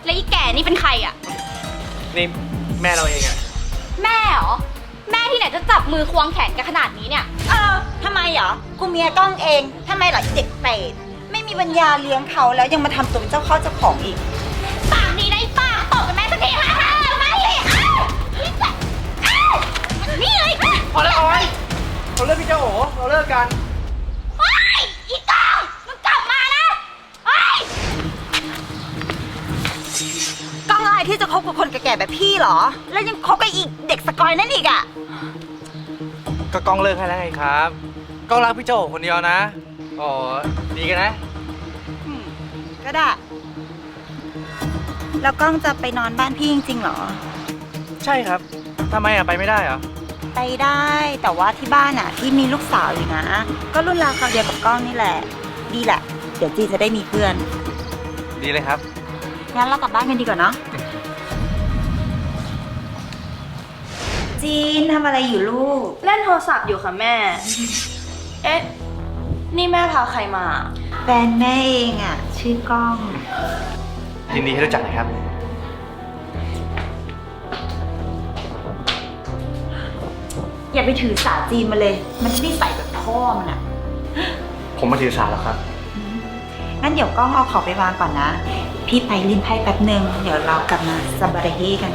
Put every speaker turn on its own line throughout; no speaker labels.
แล้วอีแก่นี่เป็นใครอ่ะ
นี่แม่เราเองอะ
แม่เหรอแม่ที่ไหนจะจับมือควงแขนกันขนาดนี้เนี่ย
ทำไมเหรอกูเมียกล้องเองทำไมเหรอเด็กเป็ดไม่มีปัญญาเลี้ยงเขาแล้วยังมาทำตัวเป็นเจ้าเข้าเจ้าของอีก
ปากดีนะไอ้ป้าตบกับแม่สักทีมามาเลยนี่เลย
พอแล้วออยเราเลิกพี่เจ้าโอ๋เราเลิกกัน
เฮ้ยอีกองมึงกลับมานะเฮ้ย
กล้องอะไรที่จะคบกับคนแก่ๆแบบพี่เหรอแล้วยังคบกับอีกเด็กสกอยนั่นอีกอ่ะ
ก็กล้องเลิกให้แล้วไงครับกล้องรักพี่เจ้าโอ๋คนเดียวนะอ๋อดีกันนะ
ก็ได้แล้วกล้องจะไปนอนบ้านพี่จริงๆเหรอ
ใช่ครับทำไมอะไปไม่ได้เหรอ
ไปได้แต่ว่าที่บ้านอ่ะพี่มีลูกสาวอยู่นะก็รุ่นราวคราวเดียวกับกล้องนี่แหละดีแหละเดี๋ยวจีจะได้มีเพื่อน
ดีเลยครับ
งั้นเรากลับบ้านกันดีกว่าเนาะจีนทำอะไรอยู่ลูก
เล่นโทรศัพท์อยู่ค่ะแม่ เอ๊ะ นี่แม่พาใครมา
แฟนแม่เองอ่ะชื่อกล้อง
ยินดีที่รู้จักนะครับ
อย่าไปถือสาจีนมาเลยมันไม่ใส่แบบพ่อมันอ่ะ
ผมมาถือสาแล้วครับ
งั้นเดี๋ยวกล้องเอาของไปวางก่อนนะพี่ไปเล่นไพ่แป๊บนึงเดี๋ยวเรากลับมาซัมบาระเฮกัน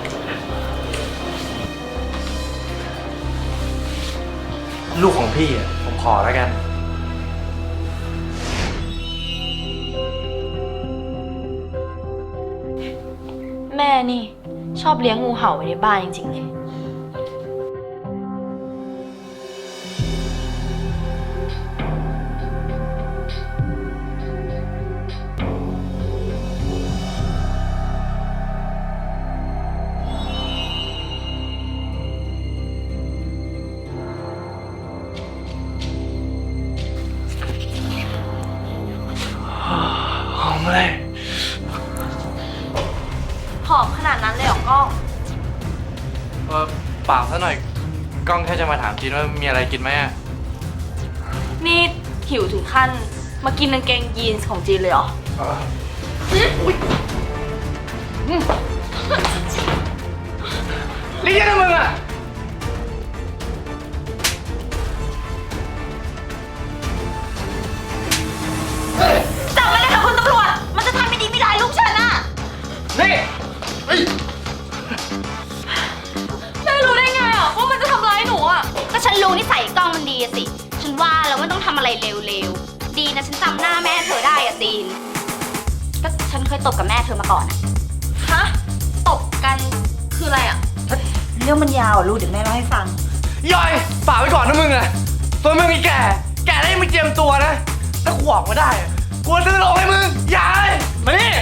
ลูกของพี่อ่ะผมขอแล้วกัน
แม่นี่ชอบเลี้ยงงูเห่าไว้ในบ้านจริงๆเลย
หอมเลย
หอมขนาดนั้นเลยเหรอกล้อง
เปล่าซะหน่อยกล้องแค่จะมาถามจีนว่ามีอะไรกินไหมอ่ะ
นี่หิวถึงขั้นมากินกางเกงยีนส์ของจีนเลยเหรอ
เรียกนะมึงอ่ะ
จับมันเลยค่ะคุณตำรวจมันจะทำไม่ดีไม่ร้ายลูกฉันอ่ะ
นี่
แม่รู้ได้ไงอ่ะว่ามันจะทำร้ายหนูอ่ะ
ก็ฉันรู้นิสัยกล้องมันดีสิฉันว่าแล้วไม่ต้องทำอะไรเร็วๆดีนะฉันจำหน้าแม่เธอได้อะซีนก็ฉันเคยตบกับแม่เธอมาก่อน
ฮะตบกันคืออะไรอ่ะ
เรื่องมันยาวลูกเดี๋ยวแม่เล่าให้ฟัง
ย่อยป่าไว้ก่อนนะมึงอะตัวมึงมีแก่ได้ไม่เจียมตัวนะถ้าขวางมาได้กลัวซื้อโลให้มึงอย่าเลยมานี่